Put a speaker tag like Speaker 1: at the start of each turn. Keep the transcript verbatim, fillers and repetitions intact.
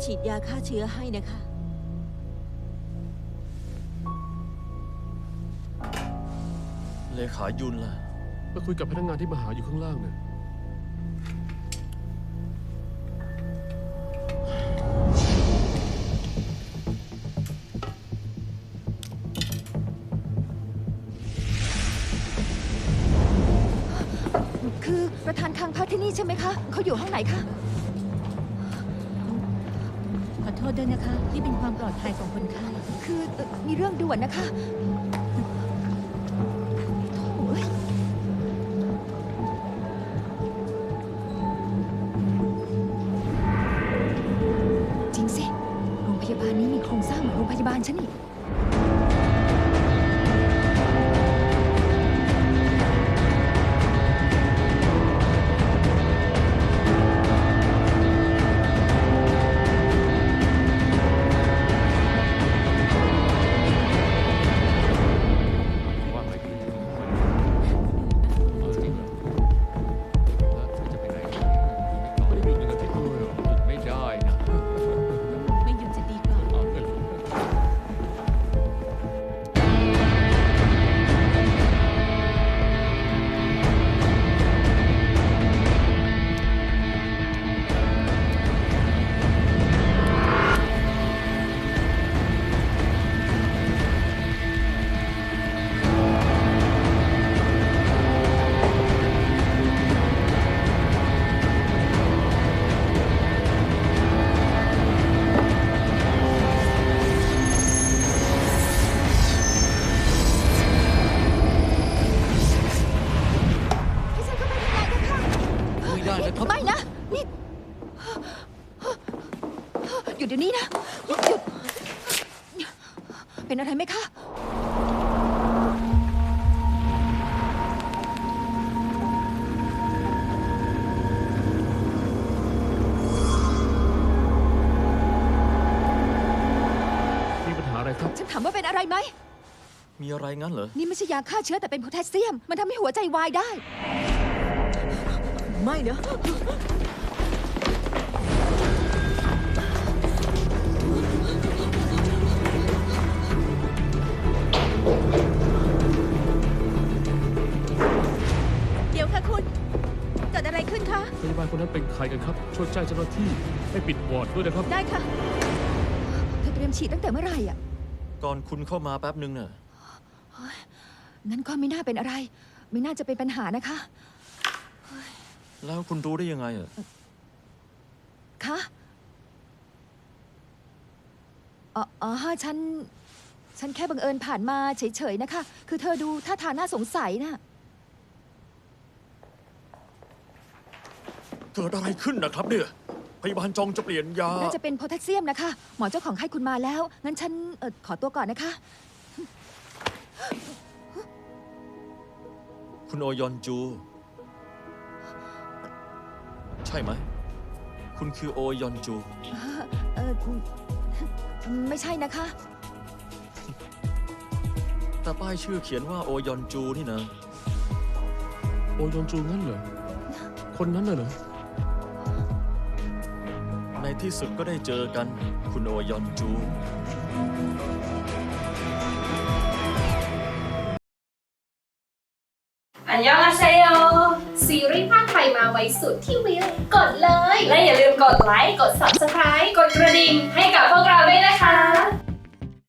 Speaker 1: ฉีดยาฆ่าเชื้อให้นะคะ
Speaker 2: เลขายุนล่ะ
Speaker 3: ไปคุยกับพนักงานที่มาหาอยู่ข้างล่างเนี่ย
Speaker 4: คือประธานคังพักที่นี่ใช่ไหมคะเขาอยู่ห้องไหนคะ
Speaker 1: ขอโทษด้วยนะคะนี่เป็นความปลอดภัยของคนไข้
Speaker 4: คือเอ่อมีเรื่องด่วนนะคะโถ่เอ้ยจริงสิโรงพยาบาลนี้มีโครงสร้างเหมือนโรงพยาบาลฉันนี่ไม่นะนี่หยุดเดี๋ยวนี้นะหยุดหยุดเป็นอะไรไหมคะ
Speaker 3: มีปัญหาอะไรครับ
Speaker 4: ฉันถามว่าเป็นอะไรไหม
Speaker 2: มีอะไรงั้นเหรอ
Speaker 4: นี่ไม่ใช่ยาฆ่าเชื้อแต่เป็นโพแทสเซียมมันทำให้หัวใจวายได้
Speaker 1: ไม่นะเดี๋ยวค่ะคุณเกิดอะไรขึ้นคะ
Speaker 3: พยาบาลคนนั้นเป็นใครกันครับช่วยแจ้งเจ้าหน้าที่ให้ปิดวอร์ดด้วยนะครับ
Speaker 1: ได้ค่ะ
Speaker 4: เธอเตรียมฉีดตั้งแต่เมื่อไหร่อ่ะ
Speaker 2: ก่อนคุณเข้ามาแป๊บนึงเน่ะ
Speaker 4: งั้นก็ไม่น่าเป็นอะไรไม่น่าจะเป็นปัญหานะคะ
Speaker 2: แล้วคุณรู้ได้ยังไงอ่ะ
Speaker 4: คะอ๋ออ๋อฉัน ฉันแค่บังเอิญผ่านมาเฉยๆนะคะ คือเธอดูท่าทางน่าสงสัยนะ
Speaker 2: เกิดอะไรขึ้นนะครับเนี่ยพยาบาลจองจะเปลี่ยนยา
Speaker 4: น่าจะเป็นโพแทสเซียมนะคะ หมอเจ้าของให้คุณมาแล้ว งั้นฉันเออขอตัวก่อนนะคะ
Speaker 2: คุณโอยอนจูใช่ไหมคุณคือโอยอนจู
Speaker 4: เออไม่ใช่นะคะ
Speaker 2: แต่ป้ายชื่อเขียนว่าโอยอนจูนี่นะ
Speaker 3: โอยอนจูงั้นเหรอคนนั้นน่ะเหรอ
Speaker 2: ในที่สุดก็ได้เจอกันคุณโอยอนจู
Speaker 5: อันยองอาเซโยซีรีส์ภาคไทยมาไว้สุดที่วิวกดเลย และอย่าลืมกดไลค์ กด ซับสไครบ์ กดกระดิ่งให้กับพวกเราด้วยนะคะ